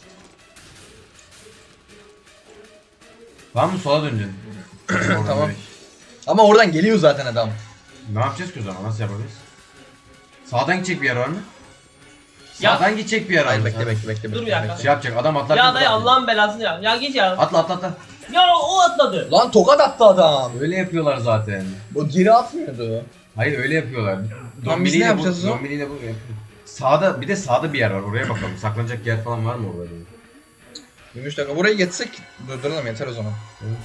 Speaker 2: Tamam mı sola döneceksin. Oradan
Speaker 1: Tamam.
Speaker 2: direkt.
Speaker 1: Ama oradan geliyor zaten adam.
Speaker 2: Ne yapacağız ki o zaman nasıl yapabiliriz? Sağdan gidecek bir yer var mı?
Speaker 3: Ya-
Speaker 2: Sağdan gidecek bir yer var
Speaker 1: Hayır
Speaker 2: mı?
Speaker 1: bekle bekle bekle.
Speaker 3: Dur
Speaker 1: bekle,
Speaker 3: bir dakika.
Speaker 1: bekle.
Speaker 2: Şey yapacak adam atlar.
Speaker 3: Ya dayı Allah'ın belasını ya. Ya git ya.
Speaker 2: Atla atla atla.
Speaker 3: Ya o atladı.
Speaker 1: Lan tokat attı adam.
Speaker 2: Öyle yapıyorlar zaten.
Speaker 1: O geri atmıyordu.
Speaker 2: Hayır öyle yapıyorlar.
Speaker 1: Lan biz
Speaker 2: Dombili
Speaker 1: ne
Speaker 2: ile bu,
Speaker 1: yapacağız o zaman?
Speaker 2: Dombili ile bu yapıyor. Sağda bir de sağda bir yer var oraya bakalım. Saklanacak yer falan var mı orada? diye.
Speaker 1: yirmi üç dakika buraya geçsek durduralım yeter o zaman.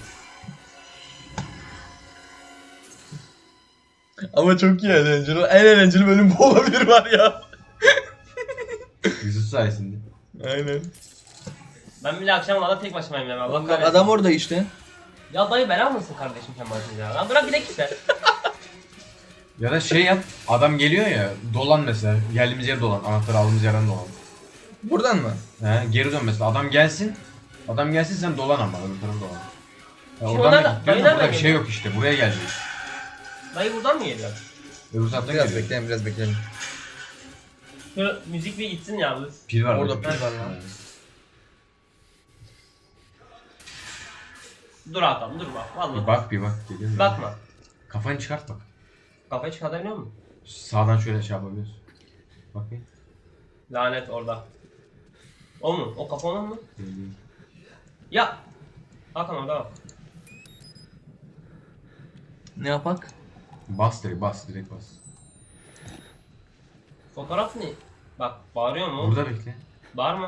Speaker 1: Ama çok iyi eğlenceli. En eğlenceli bölüm bu olabilir var ya.
Speaker 2: Yusuf sayesinde.
Speaker 1: Aynen.
Speaker 3: Ben bile akşam valla tek başımayım ya. Allah kahretsin.
Speaker 1: Adam orada işte.
Speaker 3: Ya dayı bela mısın kardeşim sen başında ya? Lan bırak bir de gitse.
Speaker 2: Ya da şey yap. Adam geliyor ya. Dolan mesela. Geldiğimiz yere dolan. Anahtarı aldığımız yerden dolan.
Speaker 1: Buradan mı?
Speaker 2: He, geri dön mesela. Adam gelsin. Adam gelsin sen dolan ama. Öbür tarafa dolan. Ya
Speaker 3: Şimdi
Speaker 2: oradan
Speaker 3: onlar da-
Speaker 2: da gidiyorsun
Speaker 3: dayı
Speaker 2: da burada
Speaker 3: nereden
Speaker 2: bir şey
Speaker 3: geliyor?
Speaker 2: yok işte. Buraya gelecek.
Speaker 3: Dayı buradan mı geliyor?
Speaker 2: Öbür taraftan
Speaker 1: Biraz
Speaker 2: geliyor.
Speaker 1: bekleyelim biraz bekleyelim.
Speaker 3: Şu müzik bir gitsin ya. bu-
Speaker 2: Pil var.
Speaker 1: Orada
Speaker 2: burada.
Speaker 1: pil var lan.
Speaker 2: He.
Speaker 3: Dur Hakan dur bak.
Speaker 2: Bir
Speaker 3: Vallahi.
Speaker 2: bak bir bak. Geliyor mu?
Speaker 3: Bakma.
Speaker 2: Kafanı çıkart bak.
Speaker 3: Kafayı çıkartabiliyor musun?
Speaker 2: Sağdan şöyle şey yapabiliyorsun. Bak bir.
Speaker 3: Lanet orada. O mu? O kafa onun mu? Ya. Hakan orada bak.
Speaker 1: Ne yapak?
Speaker 2: Bas direkt bas direkt bas.
Speaker 3: Fotoğraf ne? Bak bağırıyor mu?
Speaker 2: Burada bekle.
Speaker 3: Bağırma.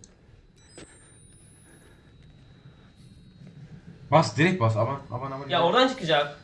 Speaker 2: Bas direkt bas aman aman aman.
Speaker 3: Ya oradan çıkacak.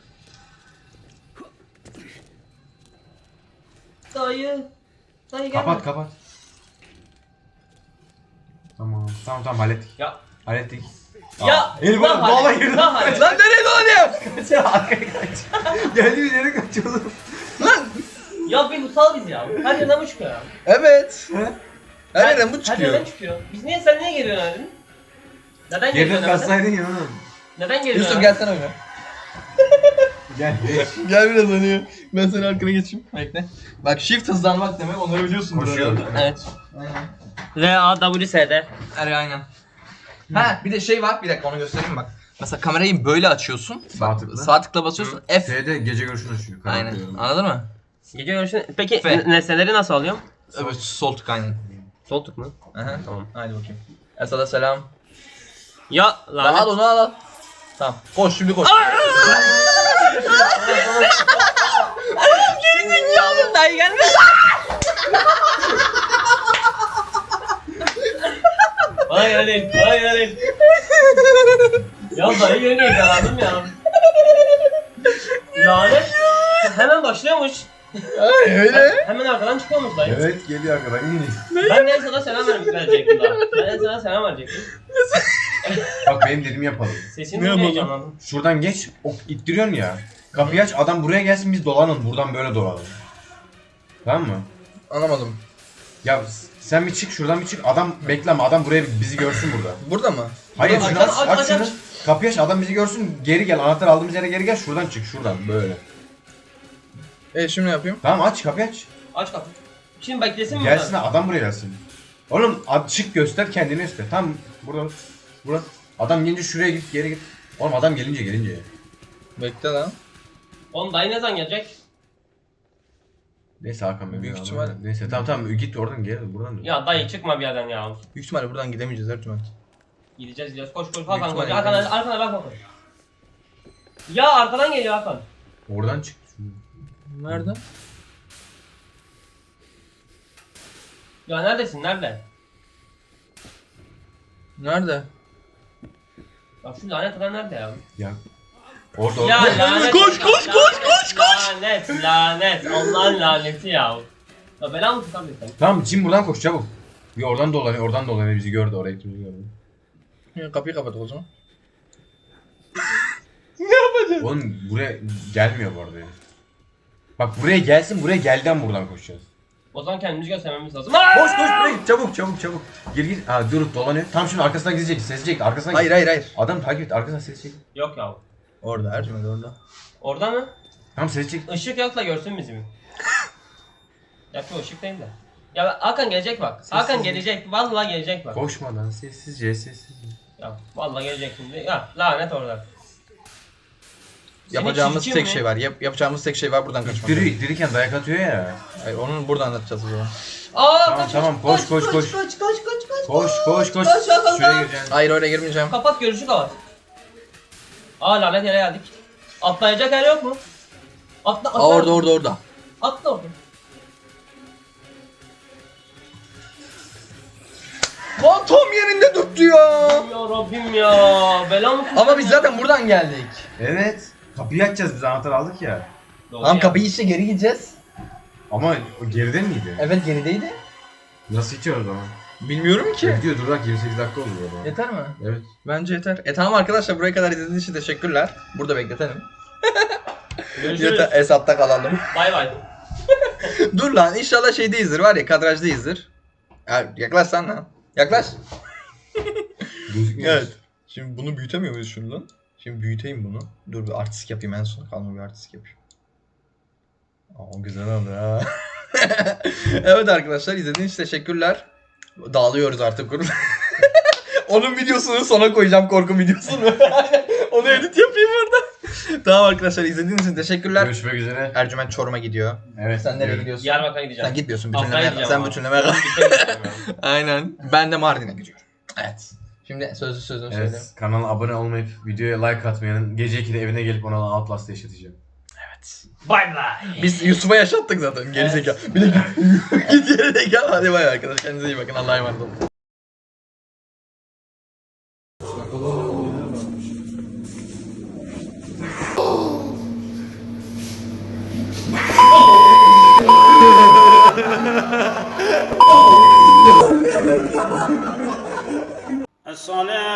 Speaker 3: Dayı. Dayı gelme.
Speaker 2: Kapat kapat. Tamam tamam tamam hallettik.
Speaker 3: Ya
Speaker 2: Hallettik.
Speaker 3: Ya
Speaker 2: El
Speaker 3: ne
Speaker 2: bana
Speaker 3: hale-
Speaker 2: dola girdi.
Speaker 3: ne hale-
Speaker 1: Lan nereye dolanıyor?
Speaker 2: Kaçıyor arkaya kaç. Geldiğimiz yere kaçıyordum.
Speaker 1: Lan.
Speaker 3: Ya bir sal bizi ya. Her yerden bu çıkıyor ya.
Speaker 1: Evet.
Speaker 2: He?
Speaker 1: Her yerden bu
Speaker 3: Her
Speaker 1: çıkıyor.
Speaker 3: yerden çıkıyor. Biz niye sen niye geri dönedin? Neden geri
Speaker 2: Geriden
Speaker 3: dönedin?
Speaker 2: kaçsaydın ya oğlum.
Speaker 3: Neden geri
Speaker 1: Yusuf
Speaker 3: dönedin?
Speaker 1: gelsene oyuna.
Speaker 2: Gel.
Speaker 1: Gel biraz oynuyor. Ben senin arkana geçeyim. Bekle. Bak shift hızlanmak demek, onları biliyorsun.
Speaker 2: Koşuyor.
Speaker 3: Evet.
Speaker 1: Aynen.
Speaker 3: R A W S D.
Speaker 1: Evet aynen. Ha bir de şey var, bir dakika onu göstereyim bak. Mesela kamerayı böyle açıyorsun.
Speaker 2: Sağ tıkla.
Speaker 1: Sağ tıkla basıyorsun. F.
Speaker 2: F'de gece görüşünü açıyor.
Speaker 1: Aynen.
Speaker 2: Kapatıyorum.
Speaker 1: Anladın mı?
Speaker 3: Gece görüşünü... Peki
Speaker 1: F.
Speaker 3: n- nesneleri nasıl alıyorum?
Speaker 1: Evet sol tık aynen.
Speaker 3: Sol tık mı?
Speaker 1: Aha.
Speaker 3: Tamam.
Speaker 1: Haydi bakayım. Esad'a selam.
Speaker 3: Ya
Speaker 1: Lan al
Speaker 3: lanet.
Speaker 1: onu al al. Tamam. Koş şimdi koş.
Speaker 3: Geri zekalı dayı gelme. Bana gelin, bana gelin. Ya dayı geliyor yakalandım ya. Lanet. Hemen başlıyormuş.
Speaker 1: Ay öyle.
Speaker 3: Hemen arkadan çıkıyormuş dayı.
Speaker 2: Evet geliyor arkadan. İyi.
Speaker 3: Ben de sana selam ver- verecektim daha. Ben de sana selam verecektim.
Speaker 2: Bak benim dediğimi yapalım.
Speaker 3: Sesini
Speaker 1: Ne
Speaker 3: ne
Speaker 1: yapalım?
Speaker 3: heyecanlandım.
Speaker 2: Şuradan geç. Ok ittiriyorsun ya. Kapıyı aç adam buraya gelsin biz dolanalım. Buradan böyle dolanalım. Tamam mı?
Speaker 1: Anlamadım.
Speaker 2: Ya s- sen bir çık şuradan bir çık. Adam bekleme adam buraya bizi görsün burada.
Speaker 1: Burada mı?
Speaker 2: Hayır
Speaker 3: Aç,
Speaker 2: şunu
Speaker 3: aç,
Speaker 2: aç,
Speaker 3: aç,
Speaker 2: aç
Speaker 3: aç,
Speaker 2: şunu.
Speaker 3: aç.
Speaker 2: Kapıyı aç adam bizi görsün. Geri gel anahtar aldığımız yere geri gel. Şuradan çık şuradan böyle.
Speaker 1: E şimdi ne yapayım?
Speaker 2: Tamam aç kapıyı aç.
Speaker 3: Aç kapıyı. Şimdi beklesin mi?
Speaker 2: Gelsin
Speaker 3: buradan?
Speaker 2: adam buraya gelsin. Oğlum ad- çık göster kendini göster. Tamam burada. Burada. Adam gelince şuraya git geri git. Oğlum adam gelince gelince.
Speaker 1: Bekle lan.
Speaker 3: Oğlum dayı ne zaman gelecek?
Speaker 2: Neyse Hakan benim.
Speaker 1: Büyük
Speaker 2: ya,
Speaker 1: ihtimal-
Speaker 2: Neyse tamam tamam git oradan geri buradan dön.
Speaker 3: Ya dayı çıkma bir yerden ya.
Speaker 1: Büyük ihtimalle buradan gidemeyeceğiz her ihtimal.
Speaker 3: Gideceğiz gideceğiz. Koş koş Hakan koş.
Speaker 1: ihtimalle
Speaker 3: Arkana,
Speaker 1: gideceğiz.
Speaker 3: arkana bak Hakan. Ya arkadan geliyor Hakan.
Speaker 2: Oradan çık.
Speaker 1: Nerede?
Speaker 3: Ya neredesin? Nerede?
Speaker 1: Nerede?
Speaker 3: Ya şu lanet adam nerede ya?
Speaker 2: Ya. Orada
Speaker 3: Ya
Speaker 2: orada.
Speaker 3: lanet.
Speaker 1: Koş, koş,
Speaker 3: lanet,
Speaker 1: koş, koş, koş.
Speaker 3: Lanet, lanet. Allah'ın laneti ya. Ya bela mı tutan bir sen?
Speaker 2: Tamam Jim buradan koş çabuk. Bir oradan dolanıyor oradan dolanıyor bizi gördü oraya gittiğimizi gördü.
Speaker 1: Ya, kapıyı kapat o zaman.
Speaker 2: Oğlum buraya gelmiyor bu arada ya. Bak buraya gelsin buraya gelden buradan koşacağız.
Speaker 3: O zaman kendimizi göstermemiz lazım.
Speaker 2: Koş koş buraya git çabuk çabuk çabuk. Gir gir. Ha durup dolanıyor. Tam şimdi arkasından gidecek sezecek arkasından
Speaker 1: Hayır hayır hayır.
Speaker 2: Adam takip et arkasından sezecek.
Speaker 3: Yok ya.
Speaker 1: Orada Ercüment orada.
Speaker 3: Orada mı?
Speaker 2: Tamam sezecek.
Speaker 3: Işık yok da görsün bizi mi? Ya şu ışık değil de. Ya bak, Hakan gelecek bak. Hakan gelecek. Vallahi gelecek bak.
Speaker 2: Koşmadan sessizce sessizce.
Speaker 3: Ya vallahi gelecek şimdi. Ya lanet orada. Seni
Speaker 1: Yapacağımız
Speaker 3: çirkin
Speaker 1: tek
Speaker 3: mi?
Speaker 1: şey var. Yap, yapacağımız tek şey var buradan kaçmak.
Speaker 2: İttiriyor ittirirken dayak atıyor ya.
Speaker 1: Hayır onu burada anlatacağız o zaman.
Speaker 3: Aa
Speaker 2: Tamam,
Speaker 3: kaç,
Speaker 2: tamam,
Speaker 3: kaç,
Speaker 2: koş, koş,
Speaker 3: kaç,
Speaker 2: koş.
Speaker 3: Kaç kaç kaç kaç.
Speaker 2: Koş koş koş.
Speaker 3: Kaç, Hakan,
Speaker 2: Şuraya
Speaker 3: kaç.
Speaker 2: gireceksin.
Speaker 1: Hayır öyle girmeyeceğim.
Speaker 3: Kapat görüşü kapat. Aa lanet yere geldik. Atlayacak yer yok mu? Atla atla.
Speaker 1: Aa orada orada orada.
Speaker 3: Atla orada.
Speaker 1: Lan tam yerinde tuttu ya.
Speaker 3: Ya Rabbim ya. Bela mı?
Speaker 1: Ama biz zaten buradan geldik.
Speaker 2: Evet. Kapıyı açacağız biz anahtar aldık ya.
Speaker 3: Doğru
Speaker 1: Tamam
Speaker 3: ya.
Speaker 1: kapıyı işte geri gideceğiz.
Speaker 2: Ama o geride miydi?
Speaker 1: Evet gerideydi.
Speaker 2: Nasıl içiyor o zaman?
Speaker 1: Bilmiyorum ki.
Speaker 2: Gidiyor dur bak yirmi sekiz dakika oldu o zaman.
Speaker 1: Yeter mi?
Speaker 2: Evet.
Speaker 1: Bence yeter. E tamam arkadaşlar buraya kadar izlediğiniz için teşekkürler. Burada bekletelim.
Speaker 3: Görüşürüz.
Speaker 1: Yeter Esat'ta kalalım.
Speaker 3: Bay bay.
Speaker 1: Dur lan inşallah şeydeyizdir var ya kadrajdayızdır. Ya, yaklaş sen lan. Yaklaş.
Speaker 2: Gözükmüyor.
Speaker 1: Evet. Şimdi bunu büyütemiyor muyuz şunu lan? Şimdi büyüteyim bunu. Dur bir artistik yapayım en son kalma bir artistik yapayım. Aa güzel oldu ha. Evet arkadaşlar izlediğiniz için teşekkürler. Dağılıyoruz artık. Onun videosunu sona koyacağım korku videosunu. Onu edit yapayım orada. Tamam arkadaşlar izlediğiniz için teşekkürler.
Speaker 2: Görüşmek üzere.
Speaker 1: Ercüment Çorum'a gidiyor.
Speaker 2: Evet.
Speaker 1: Sen nereye
Speaker 2: gidiyorum.
Speaker 1: gidiyorsun?
Speaker 3: Diyarbakır'a gideceğim.
Speaker 1: Sen gitmiyorsun
Speaker 3: Afgan'a
Speaker 1: bütünleme.
Speaker 3: gideceğim
Speaker 1: Sen
Speaker 3: ama.
Speaker 1: bütünleme kal.
Speaker 3: Gitmek istemiyorum.
Speaker 1: Aynen. Ben de Mardin'e gidiyorum. Evet. Şimdi sözlü sözünü söyle.
Speaker 2: Evet, kanala abone olmayıp videoya like atmayanın gece ikide evine gelip ona Outlast'ı yaşatacağım.
Speaker 3: Bay bay.
Speaker 1: Biz Yusuf'a yaşattık zaten gerizekalı. Bir de git, git yere de gel. Hadi bay arkadaşlar. Kendinize iyi bakın. Allah'a emanet olun.
Speaker 5: الصلاة